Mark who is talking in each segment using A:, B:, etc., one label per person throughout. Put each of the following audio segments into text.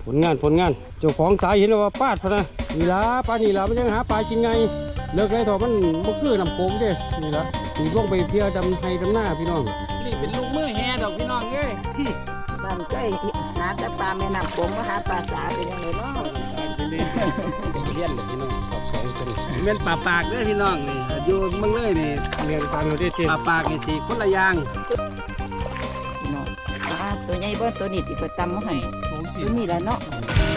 A: ลงานเจ้าของสายเห็นว่าปาดพะนะนี่ละปลานี่ละมันยังหาปลากินไงเลิกไรถอมันบ่คือน้ำโขงเด้นี่ละถึงลงไปเพียดำไห้ดำหน้าพี่น้อง
B: นี่เป็นลูกมือแห่ดอกพี่น้องเอ้ย
C: ตั้งใจหาแต่ปลาแม่น้ำโขงมาหาปลาสาเป็นยังไงบ้าง
A: เรียนเลยพี่น้องขอบสองคน
B: เป็นปลาปากเด้อพี่น้องนี่อยู่เมืองเลยนี่
A: เรียนการเราได้เต็ม
B: ปลาปากนี่สิคนละอย่าง
C: พี่น้องตัวใหญ่เบิ้ลตัวนี้ที่เปิดตำมาให้ตัวนี้แหละเนาะ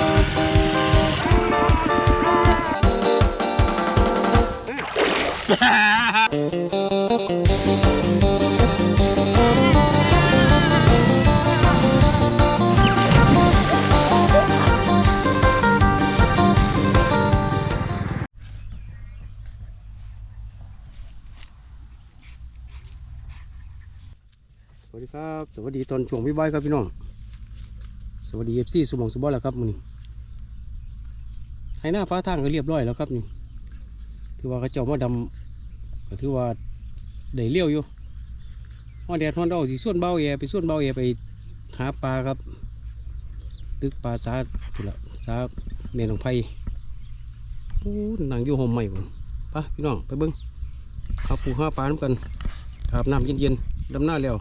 A: สวัสดีครับสวัสดีตอนช่วงพี่บอยครับพี่น้องสวัสดีFCสุบงสุบอแล้วครับมื้อนี้ให้หน้าฟ้าทางก็เรียบร้อยแล้วครับนี่ถือว่าเขาเจ้ามาดำก็ถือว่าได้เลี้ยวอยู่ฮอดแดดฮอดดอกสิส่วนเบาแย่ไปส่วนเบาแย่ไปหาปลาครับตึกปลาสาพุ่นละสาแม่นของไผนั่งอยู่ห่มใหม่ผมไปพี่น้องไปเบิ่งหาปูหาปลาน้ำกันอาบน้ำเย็นๆดำหน้าแล้ว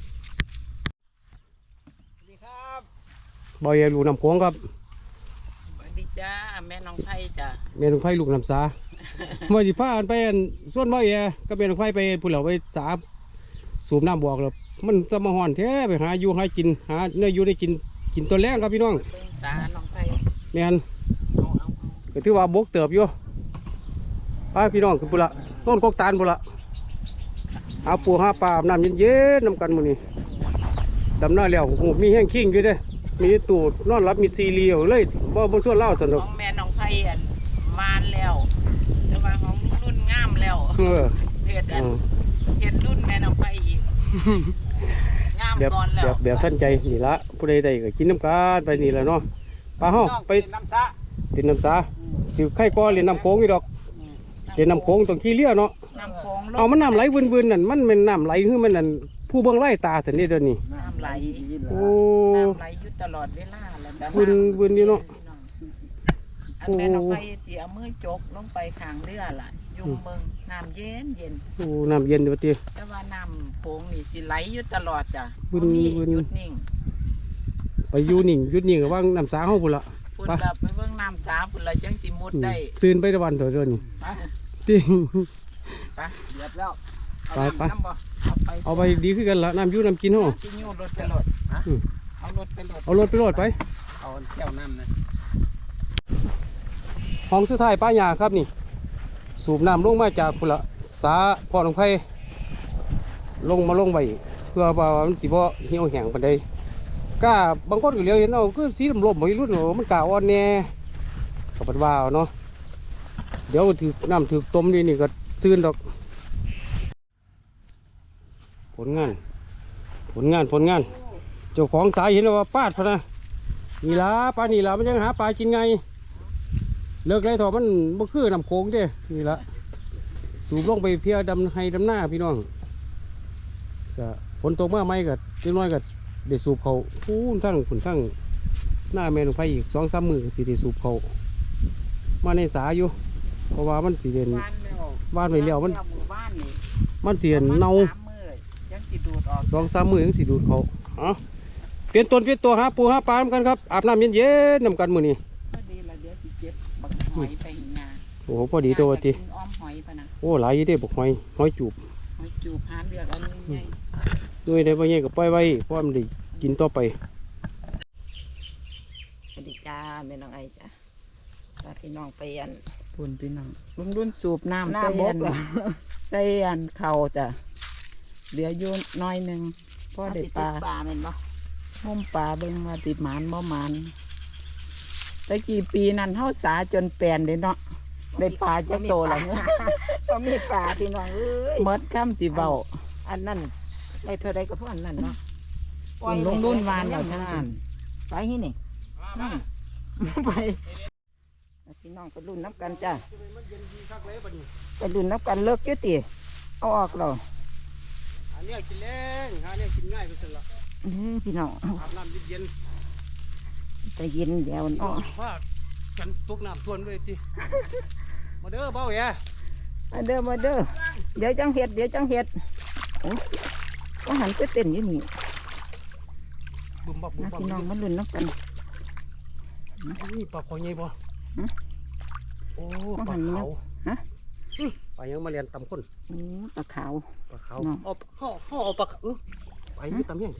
A: บอยอยู่น้ำโขงครับ
C: สวัสดีจ้าแม่น้องไผ่จ้า
A: แม่น้องไผ่ลูกน้ำสาว่าสิพาไปส่วนบอยก็แม่น้องไผ่ไปพุ่นเหล่าไปสาสูบน้ำบอกแล้วมันจะมาห่อนแท้ไปหาอยู่หากินหาเนื้ออยู่ได้กินตัวแรงครับพี่น้อง
C: สาน้องไผ่
A: แม่นก็ถือว่าบกเติบอยู่ไปพี่น้องคือพุ่นละต้นกกตาลพุ่นละหาปูหาปลาน้ำเย็นๆน้ำกันมื้อนี้ดำหน้าแล้วโอ้มีแห้งขิงอยู่เด้มีตูดนอนรับมีซีเรียลเลยบ่ส่วนเล่าสนุก
C: ของแม่น้องไผ่มานแล้วแต่ว่าของรุ่นงามแล้วเพจรุ่นแม่น้องไผ่อีกงามก่อนแล้ว
A: แบบท่านใจนี่ละผู้ใดก็กินน้ำกันไปนี่แหละเนาะปลาห้องไป
B: น้ำซา
A: ติดน้ำซาสิไข่ก้อนเรียนน้ำโขงอีดอกเรียนน้ำโขงตรงขี้เลี้ยเนาะเอามันน้ำไหลวืนนั่นมันเป็นน้ำไหลคือมันนั่นผู้เบื้องไล่ตาแต่นี่เดี๋ยวนี้
C: น้ำไหล
A: โอ้
C: น้ำไหลอยู่ตลอดเวลา
A: วืนนี่เนาะ
C: อันแม่น้องไผ่เตี๋ยมือจกลงไปข้างเรือล่ะยุ่งเมืองน้ำเย็น
A: โอ้น้ำเย็นเดี๋ยวตี
C: แต่ว่าน้ำโขงนี่สิไหลอยู่ตลอดจ้ะ
A: วืน
C: หยุดนิ่ง
A: ไปอยู่นิ่งหยุดนิ่งกับว่างน้ำสาห้องพุ่นละ
C: พุ่นละไปเบิ่งน้ำสาพุ่นละจังสิมุดได้
A: ซื้นไปตะวันเดี๋ยวนี้จริง
B: ไปเรียบแล้ว
A: ไปเอาไปดีขึ้นกันละน้ำยูน้ำกินห้อง
C: กินยูรถไปรถเอารถไป
A: ไป
B: เอาเที่ยวน้ำนะ
A: ห้องสุดท้ายป้ายาครับนี่สูบน้ำลงมาจากพุ่นละสาพ่อหลวงไผ่ลงไว้เพื่อว่ามันสิบ่เหี่ยวแห้งปานใดก้าบางคนก็เลี้ยวเห็นเอาคือสีลมๆบ่รุ่นมันกาอ่อนแน่ก็บ่ว่าเนาะเดี๋ยวถือน้ำถือต้มนี่ก็ซื่นดอกผลงานเจ้าของสายเห็นว่าปาดพะนะนี่ละปลานี่ละมันยังหาปลากินไงเลิกไรถอมันบ่คือน้ำโขงเด้นี่ละสูบลงไปเพียดำไห้ดำหน้าพี่น้องก็ฝนตกมาไหมก็จังน้อยก็ได้สูบเขาพูนทั้งหน้าแม่ลงไปอีก2-3 มื้อสิได้สูบเขามาในสาอยู่เพราะว่ามันสิเด่นบ้านไว้แล้วมันเสียเน่า2-3 มื้อยังสิดูดเขาเปลี่ยนตัวหาปูหาปลากันครับอาบน้ำเย็นๆน้ำกันมื้อนี้
C: พอดีละเดี๋ยวสิเก็บบักหอยไปงา
A: โอ้พอดีตัวติ
C: อ้อมหอยปะนะ
A: โอ้หลายอยู่เด้บักหอยจูบ
C: หาเลือกเอาใหญ่
A: ด้วยได้บ่ใหญ่ก็ปล่อยไว้เพราะมันได้กินต่อไป
C: สวัสดีจ้าแม่น้องไอจ้าพี่น้องไปอันปุ่นพี่น้องรุ่นสูบน้ำใส่อันเข่าจ้ะเหลืออยู่น้อยนึงพ่อได้ปลาเห็นบ่มุมปลาเบิ่งมาติดหมานบ่หมานแต่กี่ปีนั้นเฮาสาจนแปลนเลยเนาะได้ปลาจักโตแล้วเนี่ยก็มีปลาพี่น้องเอ้ยหมดคำสิเว้าอันนั้นได้เท่าไรก็พวกอันนั้นเนาะลงรุ่นวานอย่างนั้นไปที่นี่ไปพี่น้องไปรุ่นน้ำกันจ้ะไปรุ่นน้ำกันเลิกยุติเอาออกเรา
A: หาเนี่ยกินแรงหาเนี่ยกินง่ายก็เสร็จละ
C: พี่น้อง
A: อาบน้ำเย็น
C: แต่เย็นเดี๋ยวเนาะ
A: ว่ากันตกน้ำท่วมเลยทีมาเด้อเบาแย่
C: มาเด้อมาเด้อเดี๋ยวจังเฮ็ดโอ้ก็หันไปเต้นอยู่นี่
A: บึมบับบึม
C: นะ
A: บับ
C: พี่น้องมันลุ้นน้ำกัน
A: นี่ปลาคอใหญ่บ่
C: ฮะ
A: โอ้
C: ว่า
A: ปลา
C: หันมัน
A: ขาว
C: ฮะ
A: ปลายังมาเรียนตำคน
C: โอ้ปลาขาว
A: ปลาขาว
C: เนาะ
A: ห่อเอาปลาไปอยู่ตำเฮียงที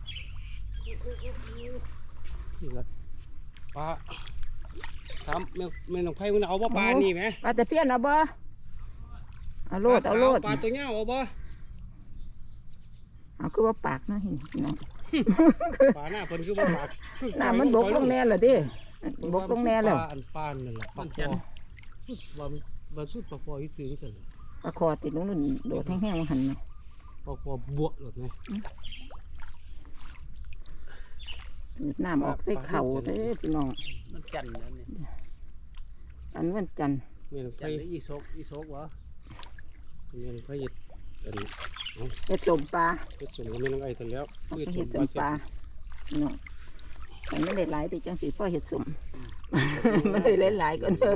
A: นี่ละปลาถามแม่น้องไผ่มันเอาบ่ปลานี่ไหม
C: ปลาตะเพียนเอาบ่เอาโลด
A: ปลาตัวเงาเอาบ่
C: เอาคือว่าปากเนาะเห็นพี่น้อง
A: ปลาหน้าเพิ่นคือบ่ปาก
C: น้ำมันบกลงแน่ละดิบกลงแน่แล้ว
A: ปลาอันปานนั่นแหละปลาคอว่ามันสุดปลาคอที่ซื้อนี่สั่น
C: ปลาคอติดลงนู่นโดดแห้งๆมาหันไหม
A: ปลาคอบวกหลดไหม
C: ดูดน้ำออกใส่เข่าเด้อพี่น้อง
B: มันจันทร์แล้วนี่
C: อันวันจันทร์
A: แม่น้อง
B: จั
A: ไผ่
B: นทร์หรืออีโซกวะ
A: แม่น้องไผ่เฮ็ดอันนี้
C: เฮ็ดสมปลา
A: เฮ็ดส่วนกับแม่น้องไอ้สั่นแล้ว
C: เอาไปเฮ็ดสมปลาพี่น้องมันไม่ได้หลายแต่จังสิพ่อเฮ็ดสม มันได้หลายๆก็เด้อ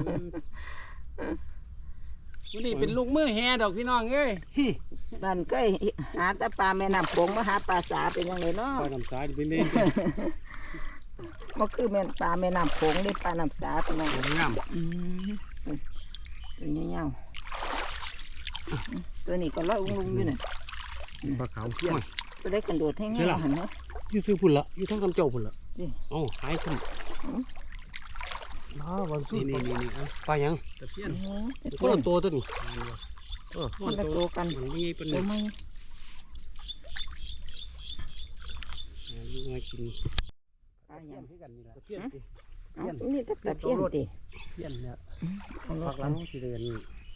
B: วันนี้เป็นลูกมือแฮดอกพี่น้องเอ้ย
C: บ้านใกล้หาแต่ปลาแม่น้ำโขงมาหาปลาสาเป็นยังไงเนาะ
A: ปลาน้ำสายเป็นเล่น
C: มันคือแม่นปลาแม่น้ำโขงได้ปลาน้ำสาพี่น้อง
A: งาม
C: ตัวเงี้ยวๆตัวนี้ก็ลอยอุ้งลุงอยู่น่ะ
A: ปลาขาวเที่ยง
C: ตัวได้ขันโดดให้เงี้ยวหันเนาะ
A: อยู่ซื้อพุ่นละอยู่ทั้งคำเจ้าพุ่นละ
C: นี่
A: เอ้าหายกันวันสุด
B: นี่
A: ปลายัง
B: ตะเพียน
A: คนละตัวตัวนี้
C: คนละตัวกัน
A: มันไม่ใช่เป็น
C: ตัวไม่
A: ยังไงกิน
C: ปลาอย่าง
B: คือกันนี่แหละตะเพียน
C: เอานี่ตะเพียนติ
B: เพียนเนี่ย
C: เอาร
A: ผั
C: ถ
A: กหลังสิเรียน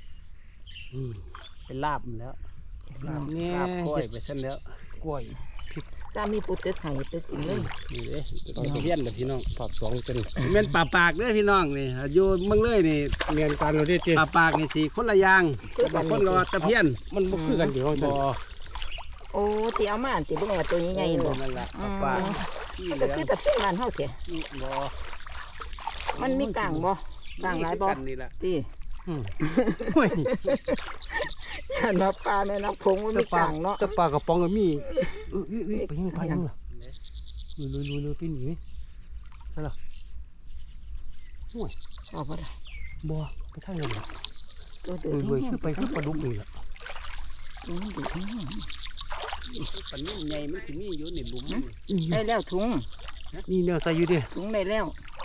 B: เป็นลาบมันแล้ว
A: เนี่ย
B: ลาบก้อยไปเส้นแล้ว
A: กล้วย
C: สามีปุตตึกไห้ตึกขึ้นเลย
A: นี่เด้ตะเพียนแบบพี่น้องปอบสองเป็น
B: แม่นปลาปากเด้อพี่น้องนี่อยู่เมืองเลยนี่
A: เรียนการเราได้เจ๊
B: ปลาปากนี่สิคนละอย่างบางคนก็ตะเพียน
A: มันบ่คือกันเดี๋ยว
B: บ่
C: โอ้ที่เอามาอันติบ่แม่นตัวใหญ่ๆบ่
B: นั่นแหละปลาปากที่เห
C: ก็
B: ลือ
C: คือตะเพียนบ้านเฮาแท้
B: บ่
C: มันมีกลางบ่กลางหลายบ่
B: กันนี่แหละ
C: ติ
A: โอ้ย
C: ย่านว่าปลาแม่น้ำโขงมันมีกลางเนาะ
A: แต่ปลากระป๋องก็มีไปยังไปยังล่ะลุยพี่หนีใช่หรอห่วย
C: เอาบ่ได้
A: บ่ไปทางนั้น
C: ตัวเดือด
A: ลุยคือไปคือปลาดุกนี่แหละ
C: มันเดือดแห้ง
B: ปันนี้ใหญ่มันสิมีอยู่ในหลุม
C: ได้แล้วถุง
A: นี่เนี่ยใส่อยู่ดิ
C: ถุงได้แล้ว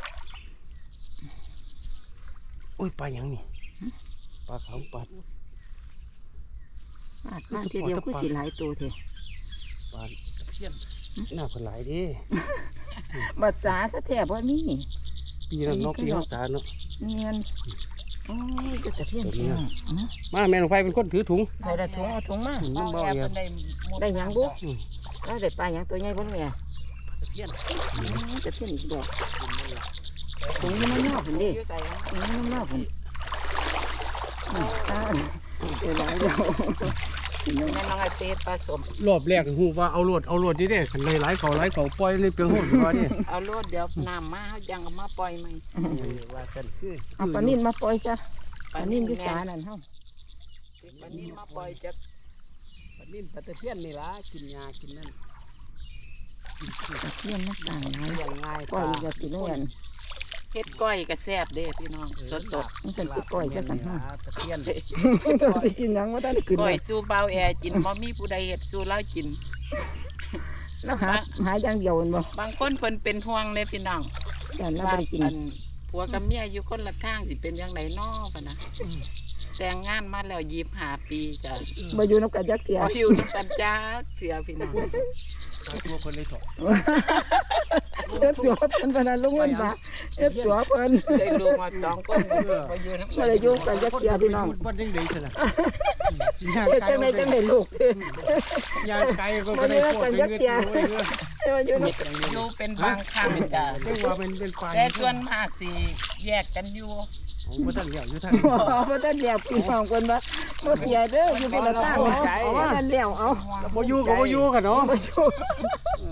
A: โอ้ยปลาหยังนี่ปลาขาวปลา
C: ปาดบ้านทีเดียวคือสิหลายตัวแท้
A: ปลาตะเพียนหน้าคนหลายดิ
C: บัดสาซะแท้บ่มี
A: ปีนั้นเนาะปีเขาสาเนาะ
C: เนียนโอ้ยจะตะเพียนพี่น้อง
A: มาแม่หลวงไฟเป็นคนถือถุง
C: ใส่ละถุงเอาถุงมา
A: มันเบาเยอะ
C: ได้หยังบุแล้วได้ปลาหยังตัวใหญ่บ่แม่
B: ตะเพียน
C: ตะเพียนอีกดอกถุงนี่มันยาวพุ่นดิถุงนี่มันยาวพุ่นเดี๋ยวหลายดอกแม่น้องไอเป็ดปลาสม
A: รอบแรกหูว่าเอารวดดิเด้ขันเลยหลายเขาปล่อยเลยเปลืองหูว่าดิ
C: เอาโลดเดี๋ยวน้ำมาเฮายังเอามาปล่อยมัน
B: ว่ากันคือ
C: เอาปลานิ่นมาปล่อยซะปลานิ่นอยู่สานั่นเฮา
B: ปลานิ่นมาปล่อยจากปลานิ่นปลาตะเพียนนี่ล่ะกินยากินนั่น
C: ตะเพียนมันต่างหลาย
B: เลี้ยงง่าย
C: ก้อยอีกว่ากินด้วยกัน
D: เฮ็ดก้อยก็แซ่บเด้พี่น้องสด
C: มันสั่นคือก้อยซะสั่นเฮา
B: ตะเพียน
C: ต้องสิกินหยังว่าท่านได้กิน
D: ๆก้
C: เล
D: อย
C: ย
D: สู้เบาแอกินบ่มีผู้ใดเฮ็ดสู้เรากิน
C: แล้วหาอย่างเดียวแม่นบ่
D: บางคนเพิ่นเป็นห่วงเลยพี่น้อง
C: แต่เรา
D: ว่า
C: บ่ได้กิน
D: อันผัวกับเมียอยู่คนละทางสิเป็นจังไดน้อปะนะแต่งงานมาแล้ว25ปีจ้ะ
C: บ่อยู่นำกันจักเที่ย
D: บ่อยู่นำกันจักเถื่อพี่น้อง
A: ตัวคนเลยถอด
C: เฮ็ดตัวเพิ่นพนันลงเงินมาเฮ็ดตัวเพิ่น
D: ได้ลูกมา2คนบ่อยู่นำ
C: บ่ได้อยู่กันจักเที่ยพี่น้อง
A: บ้านยังดีสินะ
C: เฮ็ดจังไดจังได้ลูกเด้
A: ยางไกลก็ได้โคตรเงิน
C: แต่ว่าอยู่นำ
D: อยู่เป็นบางครั้งจ้ะ
A: เรียกว่าเป็นปลา
D: แต่ส่วนมากสิแยกกันอยู่
A: บ่ทันเลี้ยงอยู่ท่าน
C: บ่ทันเดียวพี่น้องเพิ่นว่าบ่เสียเด้ออยู่คนละทางเอาบ่ทันแล้วเอา
A: บ่อยู่ก็บ่อยู่กันเนาะ
C: บ่อยู่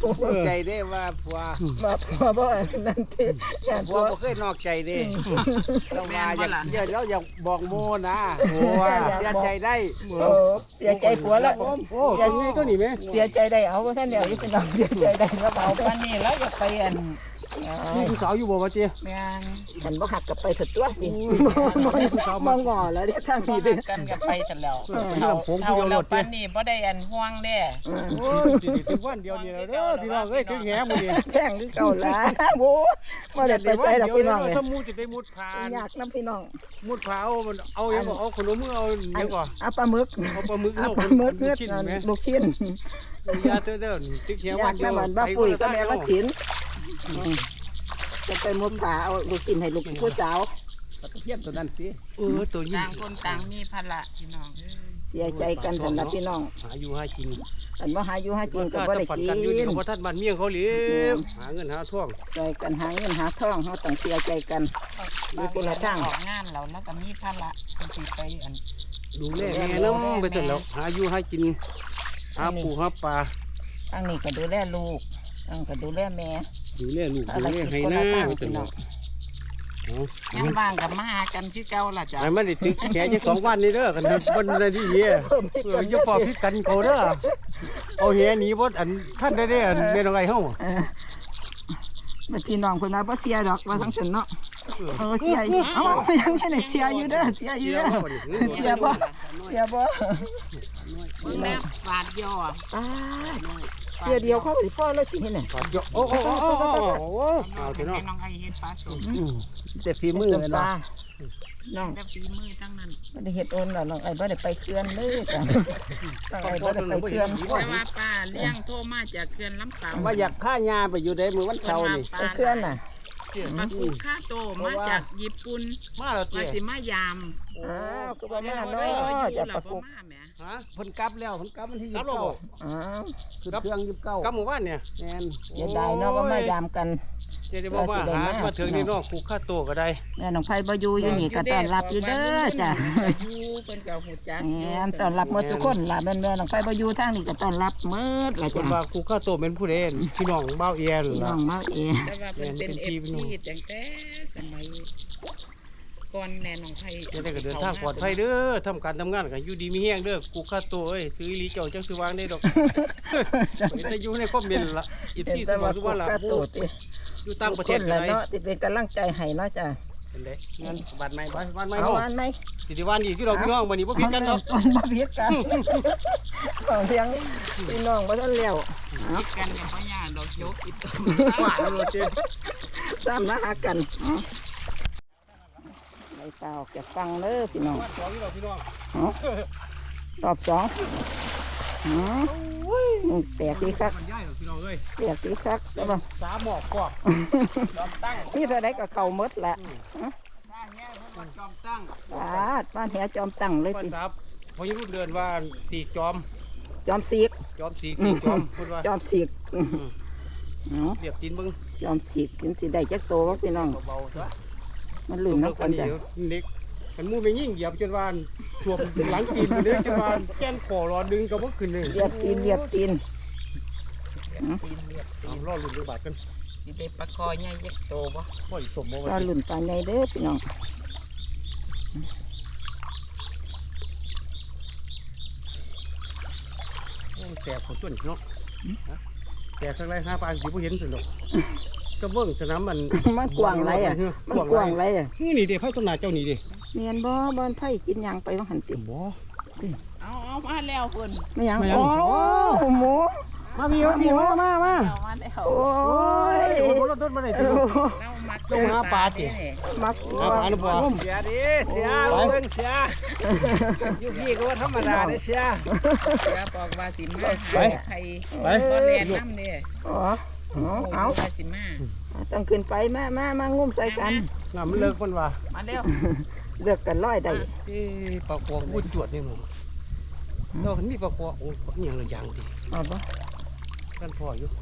B: ใจได้ว่าผัว
C: มาผัวบ่นั่นที่ย่าน
B: ผั
C: ผั
B: ว
C: ว
B: บ่เคยนอกใจเด้เราว่าอยากเราอยากบอกโมนะโอ้เสียใจได้
C: โอ้เสียใจผัวแล้ว
A: โอ้ตัวนี้ตัวนี้ไหม
C: เสียใจได้เอาว่าท่านเดียวอยู่พี่น้องเสียใจได้แล้วเอา
D: วันนี้เราจะไปอัน
A: นี่ผู้สาวอยู่บ่วะเจ๊
D: แม่น
C: มันบ่หักกลับไปถัดตัวสิมองงอแล้วเนี่ยทาง
D: บ่
C: นี้
D: ฮั
C: เด้อก
D: กันก็ไปกันแล้ว
A: เรื่องผมผู้
D: เท่า
A: เดียวร
D: เรา
A: ถ
D: ปั
A: เจ๊
D: นนี่บ่ได้อันห่วงเด้
A: โอ้ยสิถึงวันเดียวนี่แล้วเด้อพี่น้องเอ้ยถึงแหมื้อนี้
C: แพงคือเก่าละโว้บ่ได้ไปใส่ดอกพี่น้องเลย
A: ถ้ามูจะไปมุดผา
C: อยากนํพี่น้อง
A: มุดผาเอามันเอายังบ่เอาขนมมือเอายังก่อ
C: เอาปลาหมึก
A: เอาปลาหมึก
C: เอา
A: เอา
C: ปลาหมึกเนื้อ
A: กินไหม
C: ลูกชิ้น
A: ยาเด้อตึกแห
C: อ
A: วั
C: ยาน ก
A: เดีย
C: น้ำ
A: ว
C: มันบ้าปุ๋ยก็แม่ว่าชิ้นจะไปมุดผาเอาลูกชิ้นให้ลูกผู้สาว
B: ตะเพียนตัวนั้นสิ
A: ตัวยิ่
D: ต่างคนต่างมีภาระพี่น้องเอ้ย
C: เสียใจกันสำหรับพี่น้อง
A: หาอยู่หากิน
C: อันว่าหาอยู่หากินก็บ่ได้
A: ฝัน
C: กิ
A: กันอยู่นี่
C: น
A: เพราะท่านบ้านเมียงเขาเลี้ยงหาเงินหาท่วง
C: ใส่กันหาเงินหาทองเขาต้องเสียใจกันอยู่คนละทาง
D: ออกงานแล้วแล้วก็มีภาระต้องสิไปอัน
A: ดูแลแม่น้ำไปจนแล้วหาอยู่หากินหาปูหาปลา
C: ทางนี้ก็ดูแลลูกทางก็ดูแลแม่
A: ดูแลลูก
C: ภา
A: ดู
C: ร
A: แล
C: กิจ
A: ให้
C: คน
A: หน้า
C: ละทาง
A: ไปจ
C: พี่
A: น
C: น้
A: แล้
C: อ
A: ว
C: ง
D: ยังบ้างกับมาหากันคือเก่าล่ะจ้ะ
A: ไอ้มันได้ตึกแค่จะ2 วันนี่เด้อกันวันอะไรดีเหี้ยอย่าพอพิกันเขาเด้อเอาเหี้ยหนีบ่อันท่านได้เด้อแม่นองไอ้เฮา
C: เมื่อพี่น้องคนมาบ่เสียดอกว่าทั้งฉันเนาะเสียอยู่เอายังไงเสียอยู่เด้อเสียอยู่เด้อเสียบ่เสียบ่
D: เบิ่งแล้วบาดย่อ
C: ป้าเสียเดียวเขาสิพ่อเลยติเห็นน่ะ
A: ปาดเยอะโอ้เอาเถอะเนาะ
D: ให้น้องไอเฮ็ดปลาสม
B: แต่ฝีมือ
C: ส่วน
B: เลย
C: ปลา
B: เนาะ
C: น้อง
D: แต่ฝีมือทั้งนั้น
C: บ่ได้เฮ็ดโอนน้องไอ้บ่ได้ไปเขื่อนเลยจ้ะน้องไอ้บ่ได้ไปเขื่อน
D: แต่ว่าป้าเลี้ยงโทรมาจากเขื่อนลำปาง
B: ว่าอยากฆ่ายาไปอยู่ได้มื้อวันเสาร์นี่
C: ไปเขื่อนน่ะ
D: มากูค่าโตมาจากญี่ปุ่น
A: มาแล้ว
D: มา
A: เจ๊
D: สิมายาม
C: อ้าวคือบ่มา
D: เนา
C: เนาะจะประกบ
D: มาแหม
A: ฮะ
B: เพิ่นกลับแล้วเพิ่นกลับวันที่
A: ครับเราบอก
C: อ้าว
B: 29คือเครื่อง29
A: กับหมู่บ้านเนี่ย
B: แม่น
C: เสียดายเนาะว่ามายามกัน
A: เจ๊ได้บอกว่าหามาถึงนี่เนาะกูค่าตัวก็ได้
C: แม่น้องไผบ่อยู่อยู่นี่ก็ต้อนรับอยู่เด้อจ้ะ
D: อยู่เพิ่นก็ฮู้จัก
C: แม่นต้อนรับหมดทุกคนล่ะแม่น้องไผบ่อยู่ทางนี้ก็ต้อนรับหมดล่ะ
A: ค
C: จ้ะ
A: นว่ากูค่าตัวเป็นผู้เด่นพี่น้องเบ้าเอียน
C: พี่น้
A: ล่ะ
C: องมาเอง
D: แต่ว่าเพิ่นเป็น FP ตั้งแต่สมัยก่อนแม่น้องไผ
A: จะได้ก็เดินทางปลอดภัยเด้อทำการทำงานกันอยู่ดีมีแห้งเด้อกูค่าตัวเอ้ยซื้ออีหลีเจ้าจังสิวางได้ดอกเห็นแต่อยู่ในคอมเมนต์ล่ะอีก
C: เห็น
A: ที่ส
C: แต่
A: มอ
C: ว่าง
A: สุ
C: กู
A: วรรณล่ะ
C: กระโตติ
A: อยู่ต่างประเทศ
C: ทุกคน
A: กั
C: ล่ะ
A: นได้
C: เนาะที่เป็นกำลังใจให้เนาะจ้ะ
A: เป็นไดงานบ้านใหม่บ้านใหม่
C: เอา
A: เฮา
C: อันไหม
A: สิได้วันอีกที่เราพี่น้องบัดนี้บ่ผิดกันดอก
C: มันบ่ผิดกันของเพียงพี่น้องบ่ทันแล้ว
D: คิดกันกับพ่อย่าดอกยกอีก
A: หวานเลยเจ้
C: ซ้ำมาหากันไปเปล่าออกจากฟังเด้อพี่น้อง
A: สองนี่เราพี่น้อง
C: รอบสองแตกดีคัก
A: มันใหญ่เหรอพี่น้องเอ้ย
C: แตกดีคักใช่ป่ะ
A: สามหมอกกอกจอมตั้ง
C: นี่เท่าไรก็เข่าหมดแหละ
A: สร้างแง่เพิ่นว่าจอมตั้ง
C: บ้านแหจอมตั้งเลย
A: เพิ่น
C: ติ
A: ครับพออยู่รุ่นเดือนว่าสี่จอม
C: จอมสีก
A: จอมสี่จอมเพิ่นว่า
C: จอมสีกเอา
A: เรียบตีนเบิ่ง
C: จอมสีกกินสีได้จักโตวะพี่น้อง
A: เบาๆซะ
C: มันลื่นน้ำกันจ้ะ
A: เล็กมันมูไม่ยิ่งเหยียบจนวานท่วมหลังตีนไปเลยจนวานแก้นคอรอดึงก็บ่ขึ้นเลย
C: เรียบตีนเรียบตีน
D: ตีนเรียบตีน
A: รอลุ้นดูบาดกัน
D: สิได้ปลาคอใหญ่ยักษ์โตบ่
A: บ่อีสมบ่
C: ก็
A: ว่า
C: ลื่นปลาใหญ่เด้อพี่น้อง
A: แตกของต้นเนาะแตกข้างไร5ปานสิบ่เห็นสิดอกก็เบิ่งสนามมัน
C: มันกว้างไรอ่ะมันกว้างไรอ่ะ
A: นี่เด้ไผต้นหน้าเจ้านี่เด้
C: เมียนบ่บ้านไผ่กินหยังไปว่าหันติ
A: บ่
D: เอามาแล้วเพิ่น
C: ไม่หยังโอ้หมู
A: มาพี่มาพี่มา
D: เอามาแล้ว
C: โอ้ย
A: โอ้รถมาได้สิ
D: เรามัก
A: ลงหาปลาสิ
C: มัก
A: หาปลาหรือเปล่า
B: เสียดิเสียเบิ่งเสียอยู่พี่ก็ว่าธรรมดาเด้เสีย
D: เสือบอกว่าสิมาไผบ่แล่นน้ำเด้
C: อ๋อเอา
D: ว่าสิมา
C: ต้องขึ้นไปมางุ้มใส่กัน
A: น้ามันเลิกมันว่า
D: มาเร็ว
C: เลือกกันร้อยได้
A: ปลาขวงพูดจวดนี่มึงนอกมีปลาขวงโอ้ยอย่างละอย่างดิ
C: เอาบ่
A: กันพออยู่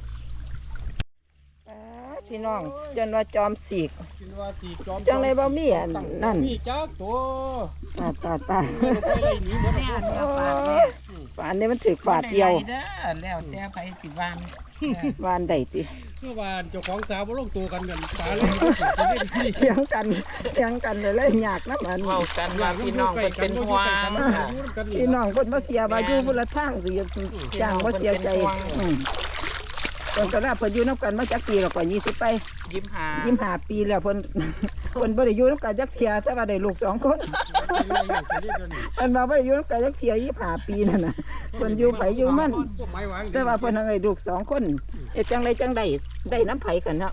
C: พี่น้องจนว่าจอมสีก
A: กินว่าสีจอม
C: จังเลยบ่มีอันนั่น
A: มีจักตัว
C: ตา
A: ไปไรหนีหมด
D: แม่เนื้อปลาแม่
C: ฝานนี้มันถือฝาดเดียว
D: เด้อแล้วแต่ไผสิวาน
C: วานได้ติ
A: เมื่อวานเจ้าของสาวบ่ลงตัวกันตาเลยจะเล่นที่
C: เถียงกันเลยยากนะมัน
D: เว้ากันว่าพี่น้องเพิ่นเป็นห่วง
C: พี่น้องเพิ่นบ่เสียว่าอยู่พุ่นละทางสิจ้างบ่เสียใจเพิ่นก็ลาเพิ่นอยู่นำกันมาจักปีแล้วก็20ไป 25ปีแล้วเพิ่น เพิ่นบ่ได้อยู่นำกันจักเที่ยแต่ว่าได้ลูก2คนเพิ่นว่าบ่ได้อยู่นำกันจักเที่ย25ปีนั่นน่ะเพิ่นอยู่ไผอยู่มันแต่ว่าเพิ่นให้ลูก2คนเฮ็ดจังไดจังได้น้ำไผกันเนาะ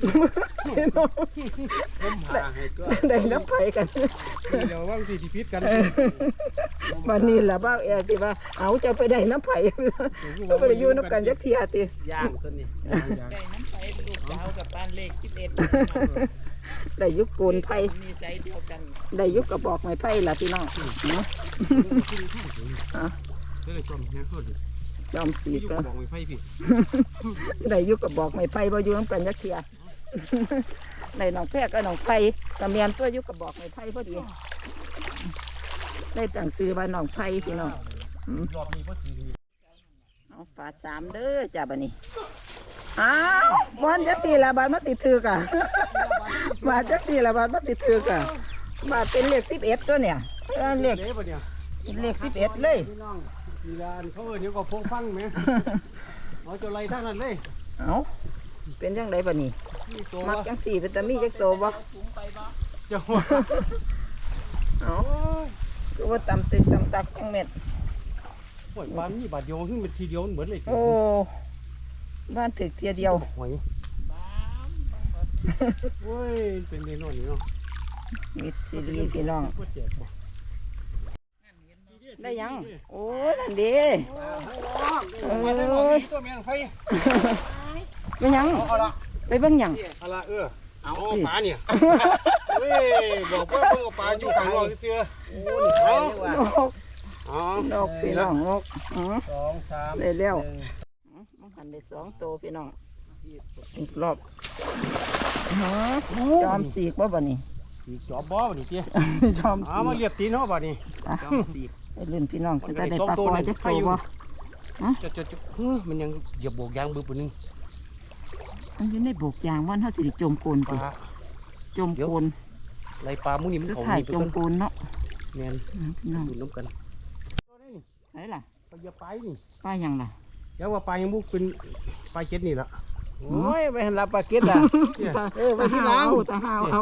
B: ผมหาให้ก็
C: ได้น้ำไผกัน
A: เดี๋ยวว่างสิที่พิษกัน
C: วันนี้ล่ะบ่าวแอสิว่าเอาจะไปได้น้ำไผก็บ่ได้อยู่นำกันจักเที่ยติ
B: ย่างตัวนี้
D: ได้น้ำไปลูกสาวกับบ้านเลข11
C: ได้ยุคปูนไผ
D: มีใจเดียวกัน
C: ได้ยุคกระบอกไม้ไผ่ล่ะพี่น้องเนาะ
A: เฮ้ยจอมเนี่ยเขาดิ
C: ยอมสี
A: อยู่
C: ก็
A: บอกไม่ไพ่พี่
C: ได้ยุคกระบอกไม้ไผ่บ่อยู่นำกันจักเที่ย ได้น้องแพรก็น้องไผ่ก็แม่นตัวยุคกระบอกไม้ไผ่พอดีได้ตั้งชื่อว่าน้องไผ่พี่น้อง
A: รอบนี้บ่สิ
C: เอาฝาสามเด้อจ้าบัดนี้อ้าวบอนจักสี่ละบาทมันสิถือกะ บาทจักสี่ละบาทมันสิถือกะบาทเป็นเลข11ตัวเนี่ยเลข
A: เด้บ่เนี่ย
C: เป็นเลข11เลย
A: พี่น้องมีร้านเขาเดี๋ยวก็พงฟังแหมเอาเจ้าไรทางนั้นเลย
C: เอาเป็นจังไดบัดนี้
A: นี่ตัว
C: มักจังสี่เป็นตามีจักโตบ่
A: เจ้า
C: เอาคือว่าตำตึกตำตักจังเม็ด
A: โอ้ยบ้านนี้บาทเดียวขึ้นเป็นทีเดียวเหมือนเลย
C: โอ้บ้านถึกเทียเดียว
A: หอยโอ้ยเป็นเรื่องนี้เนาะ
C: มิดซีรีพี่น้อง
A: ก็เจ็บบ่
C: ได้ยัง โอ้ยนั่นดี
A: มาได้หรอกตัวแมงไฟ
C: ไปยัง
A: เอาละ
C: ไปเบิ่งหยัง
A: เอาละเอาปลาเนี่ยเฮ้ยบอกว่าเพิ่งเอาปลาอยู่ข้างนอกเสือโอ้ยเอา
C: นก
A: เอา
C: นกพี่น้องนก
A: 2 3
C: ได้แล้วมันหันได้2ตัวพี่น้องอีกรอบจอมสีกบ่บ่นี่
A: อีกจอบบ่นี่เตี้ย
C: จอม
A: เอา
C: สี
A: มาก เรียบตีนเนาะบ่นี่
C: ไปเล่นพี่น้องก็จะได้ปลาคอจะโตบ่
A: จะมันยังเหยียบโบกยางบึ้บนึง
C: มันอยู่ในโบกยางมันเฮาสิได้จมโกน
A: ป
C: ติ
A: ลา
C: จมโกน
A: ไรปลามุ้งนี่มัน
C: สุด
A: เขา
C: ท้าย
A: นี่
C: จมโกนเนาะ
A: แม่น
C: พี่น้อง
A: ดูน้ำกัน
C: ไหนล่ะ
A: ปลาอย่าไปนี่
C: ปลาหยังล่ะ
A: เดี๋ยวว่าปลายังบุกเป็นปลาเจ็ดนี่ละ
B: โอ้ยไปหันรับปลาเก็ดอ่ะ
C: ไปที่ล้างตาหาวเอา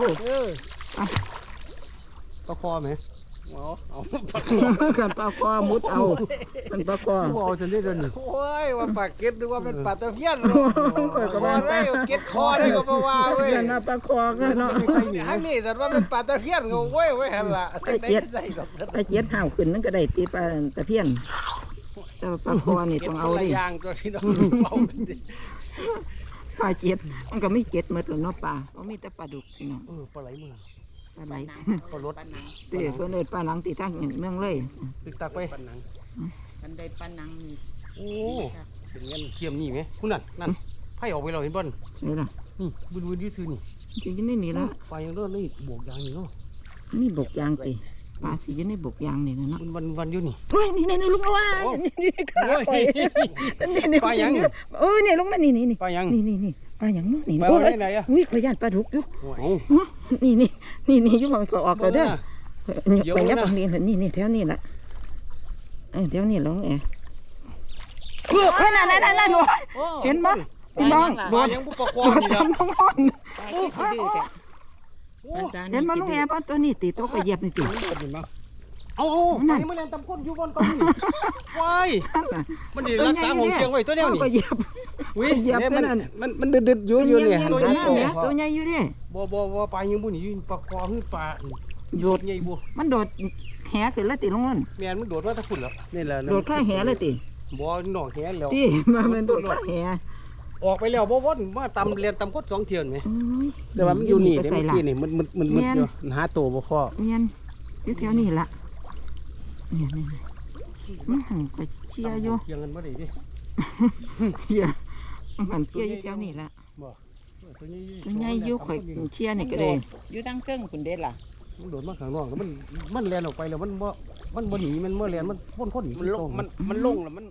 A: ปลาคอไหม
B: เอา
C: กันปลาคอมุดเอากันปลาคอ
A: ผู้เอาจะเรียกเดินนี่
B: โอ้ยว่าปลาเก็ดหรือว่าเป็นปลาตะเพียน
C: ข่อยก็
B: ว่า
C: ว่า
B: ได้เก็ดคอได้ก็บ่ว่าเว้ย
C: กันว่าปลาคอกันเนาะ
B: ทั้งนี้แต่ว่าเป็นปลาตะเพียนก็เว้ยหันละได้ดอก
C: ปลาเจ็ดห่าวขึ้นนั่นก็ได้ตีปลาตะเพียนแต่ว่าปลาคอนี่ต้องเอาดิ
B: ยางตัวพี่น้องเอาดิ
C: ปลาเจ็ดมันก็ไม่เจ็ดหมดหรอกเนาะปลาเขามีแต่ปลาดุกพี่น้อง
A: ปลาไหลมือ
C: ปลาไหล
A: ปลารถ
C: เตะเพื่อนเอิ้นปลาหนังตีทั้งเมืองเลย
A: ตึกตักไป
D: มันได้ปลานังนี่
A: โอ้เป็นเงี้ยเทียมนี่ไหมคุณนั่นไผ่ออกไปเราเห็นบ่น
C: นี่ล่ะ
A: นี่บุญยืดซื้อนี่
C: สิอยู่ในนี่ละ
A: ปลายังเลิศเลยบวกยางนี่เนาะ
C: นี่บกยางตีปลาสิอยู่ในบกยางนี่นะเนาะ
A: วันอยู่นี่
C: เฮ้ยนี่ลุงเอาว่านี่ขาไปนี่
A: ปลายัง
C: เออนี่ลุงมานี่
A: ปลายัง
C: นี่ปลาหยังเนาะนี่
A: ปลา
C: โอ้
A: ไหนอะ
C: อุ้ยขอยย่านปลาดุกอยู่
A: โอ้
C: นี่อยู่มันก็ออกแล้วเด้อไปยับบางนี่นี่แถวนี้ล่ะแถวนี้ลงแอเฮ้ยนั่นเห็นบ่พี่น้องโด
A: ปลา
C: ด
A: ยังบุกปลาคอ
C: โดด
A: นี่นะ
C: ทำน้องน
D: ปลาขี้ดื้อแท้ปลาซา
C: เห็นบ่ลุงแอบ่ตัวนี้ติโตก็เหยียบนี่ติ
A: เอานั่นมันเล่นตำก้นอยู่บนต้นนี่ว้ายมันดีรักษาของเชียงไว้ตัวเดียวนี่
C: ก็เหยียบ เหยียบไปนั่น
B: มันดึดๆอยู่เนี่ย
C: ตัวใหญ่เนี่ยตัวใหญ่อยู่ดิ
A: บ่ปลายังบุนี่ปลาคอคือปลา
C: โดด
A: ใหญ่บ่
C: มันโดดแหขึ้นแล้วติลงนั่น
A: แม่นมันโดดมาตะพุ่นแล้วนี่แหละ
C: โดดข้าแหเลยติ
A: บ่หนองแหแล้ว
C: ติมันโดดข้าแห
A: ออกไปแล้วบ่วนมาตำเรียนตำคด2เที่ยวนี่
B: แต่ว่ามันอยู่นี่
C: ไป
B: เมื่
C: ใส่
B: อ
C: ละ
B: กี้นี่มันอยู่หาตัวบ่พอ
C: เนียนอยู่แถวนี้ละเนี่ยมันหันไปเชียร์อยู่
A: เที่ยงกันบ่ได้ดิ
C: เชียร์มันหันเชียร์อยู่แถวนี้ละ
A: บ่ตัวใหญ่
C: ตัวใหญ่อยู่ข่อยเชียร์นี่ก็ได้
D: อยู่ตั้งเครื่องคุณเด็ดล่ะ
A: มันโดดมาข้างนอกแล้วมันแล่นออกไปแล้วมันบ่หนีมันบ่แล่นมันพ่นหนี
B: มันลงแล้วมัน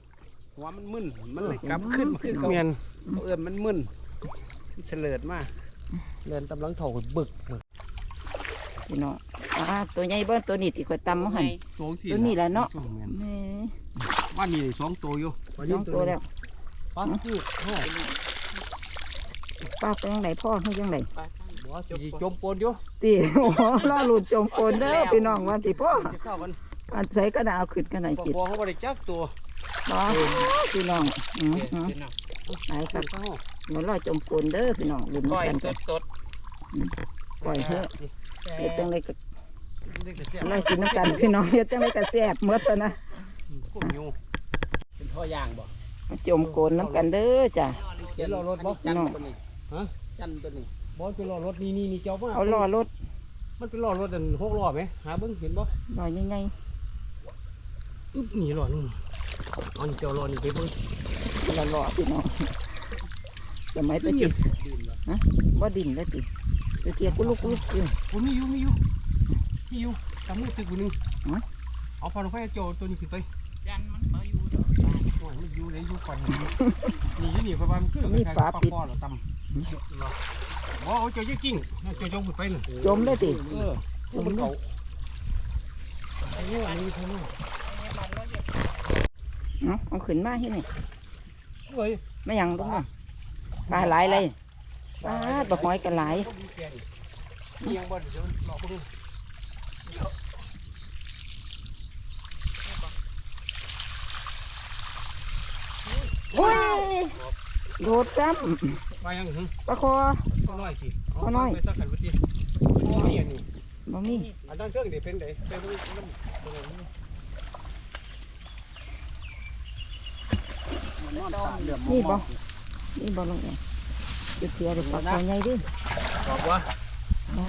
B: หัวมันมึนมันเลยกลับขึ้นมาคือเขา
A: เมียน
B: เอิ้นมันมึนเฉลิดมา
A: เรียนตำลังเถ่าบึก
C: พี่น้องตัวใหญ่เบิ้ตัวนี้ที่ข่อยตำมาหัน
A: โซ่สิ
C: ตัวนี้แหละเนาะ
A: แม่น
C: แหม่
A: ว่านี่2ตัวอยู่
C: สองตัวแล้ว
A: ปั๊บคือพ่อ
C: ป้าไปยังไงพ่อเขายังไง
D: ปลาข้าง
A: บ่สิจมปนอยู่
C: ตีโอ้โหล่อหลุดจมโคนเด้อพี่น้องวันสิพ่อ
A: จะเข้ากัน
C: อันใส่กระดาษเอาขึ้นกันไหน
A: ป
C: กิน
A: อเขาบ่ได้จักตัว
C: บ่พี่น้องไหนครับ
A: เข้า
C: เหมือนล่อจมโคนเด้อพี่น้องลุ้น
D: ก้อย
C: กัน
D: ส
C: กัน
D: ดสด
C: ปล่อยเถอะ
D: แซ่
C: เฮ็ดจัง
D: บ
C: ไดก็
A: เด็กแต่แซ่บ
C: ไล่กินน้ำกันพี่น้องเฮ็ดจังไดก็แซ่บหมดแล้วนะ
A: กุ้งอยู่
B: เป็นท่อย่างบ่
C: มาจมโคนน้ำกันเด้อจ้ะ
B: เดี๋ยวรอรถบ่จันตัวนี้
A: ฮะ
B: จันตัวนี้
A: บอลเป็นล้อรถนี่เจ้ามา
C: เอาล่อรถ
A: มันเป็นล้อรถอัน6ล้อไหมหาเบิ่งเห็นบ่
C: ล่อใหญ่
A: อึ๊บนี่ล้อนึงอันเจ้าล้อนี่ไปเบิ่ง
C: ๆล่อพี่น้องสมัยตะกี้
B: ดื่มแล้ว
C: บ่ดินแล้วติตะเกียกกุลุกอยู่
A: โอ้มีอยู่ตามมือตึกอยู่นึงเอาพอลงไปโจตัวนี้ขึ้นไป
D: ยันมันเอาอยู่ดอก
A: โอ้ยมันอยู่เลยอยู่ก่อนนี่เพราะว่ามันคือปลาปอดตำบ่เอาเจ้าเยอะจริงเจ้าจงขึ้นไปเลย
C: จมเลยติ
A: มันเขาไอ้เนี่ยนี่เท่านั้น
C: เอาขึ้นมาที่นี่
A: เฮ้ย
C: ไม่ยังลงมาปลาหลายเลยปลาปลาหอยกันหลาย
A: นี่ยังบ่เดี๋ยวหลอกพวกนี้
C: โอ้ยโดดซ้
A: ไปยังหึ
C: ำปลาคอ
A: ก็น้อยสิไปสักขันวันที่นี่อันนี้
C: บ่มี
A: อันนั้นเครื่องเดี๋ยวเป็นไหนเป็นน้ำ
B: มันนอนตาเหลือม
C: นี่บ่นี่บ่ลงเนี่ยจะเสียเด็กปลาคอใหญ่ดิ
A: บอกว่า
C: อ๋อ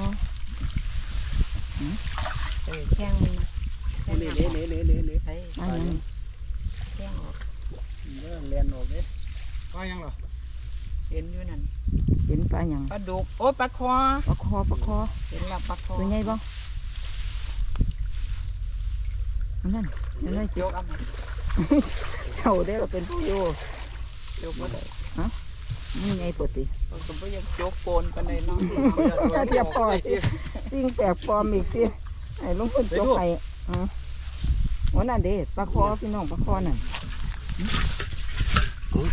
D: แข้งมัน
B: เละ
D: ใส่
C: ปลาหยัง
D: แข้งออก
B: เรื่องเรียนออกเด้
A: ไปยังเหรอ
D: เห็นอยู่นั่น
C: เป็นปลาหยัง
D: ปลาดุกโอ้ปลาคอ
C: ปลาคอ
D: เห็นแล้วปลาคอ
C: ตัวใหญ่บ่อันนั่นนั่นเลย
D: ย
C: จุ
D: กเอามา
C: เจ้าได้เราเป็นผู้อยู่
D: ยกมาได้
C: นี่ไงปกติ
D: เราก็ไม่ยังยกโกนกันเลยเนาะ
C: เทียบพอสิสิ่งแปลกปลอมอีกทีไอ้ลุงคนจกไห้วันนั้นเด้ปลาคอพี่น้องปลาคอนั่น
A: โอ้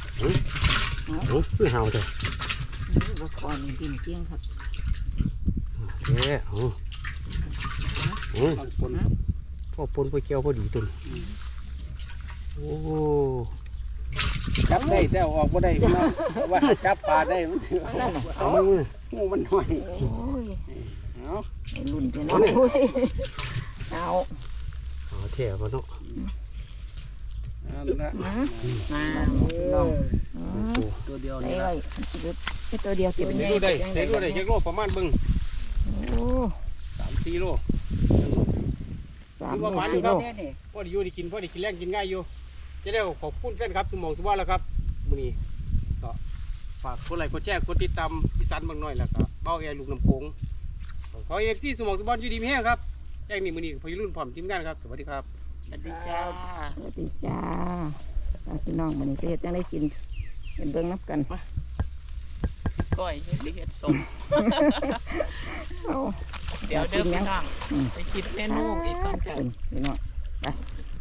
A: คือเห่าเถอะ
C: ปลาคอนี่กินเกี้ยงครับ
A: แย่โอ้
B: บางคน
A: พอปนไปเกี่ยวพอดีตุนโอ้
B: จับได้แต่ออกบ่ได้พี่น้องว่าจับปลาได้มันถือ
A: เอามือ
B: งูมันน้อย
C: โอ้ย
B: เอา
C: ไอ้รุ่นพี่น้องโอ้ยเอา
A: เอาแถ่มาเนาะ
B: เอาละ
C: มา
D: มา
C: พี่น้อง
B: ตัวเดียว
C: ไอ้
B: นี่
C: ไว้ไอ้ตัวเดียวเก็บ
A: เด็กดูได้เด็กดูได้เด็กโลประมาณเบิ่ง
C: โอ้
A: 3-4 โล
C: 3 โล 4 โล
D: เนี่ยนี่
A: พอดีอยู่ได้กินแรงกินง่ายอยู่จะได้ขอบคุณแฟนครับทุกหม่องทุกวันแล้วครับมื้อนี้ก็ฝากกดไลค์กดแชร์กดติดตามอีสานบางน้อยแล้วก็เบ้าแอร์ลูกน้ำโขงขอ FC สมองทุกวันอยู่ดีมีแห้งครับแจ้งนี่มื้อนี้พยรุ่นพร้อมทีมงานครับสวัสดีครับ
D: สวัสดีจ้า
C: สวัสดีจ้าพี่น้องมันนี้ไปเฮ็ดจังได้กินเป็นเบิ่งนับกัน
D: ก้อยเฮ็ดเฮ็ดสม
C: เอา
D: เดี๋ยวเด้อพี่น้องไปคิดเมนูอีกก่อนจ้ะ
C: พี่น้องไป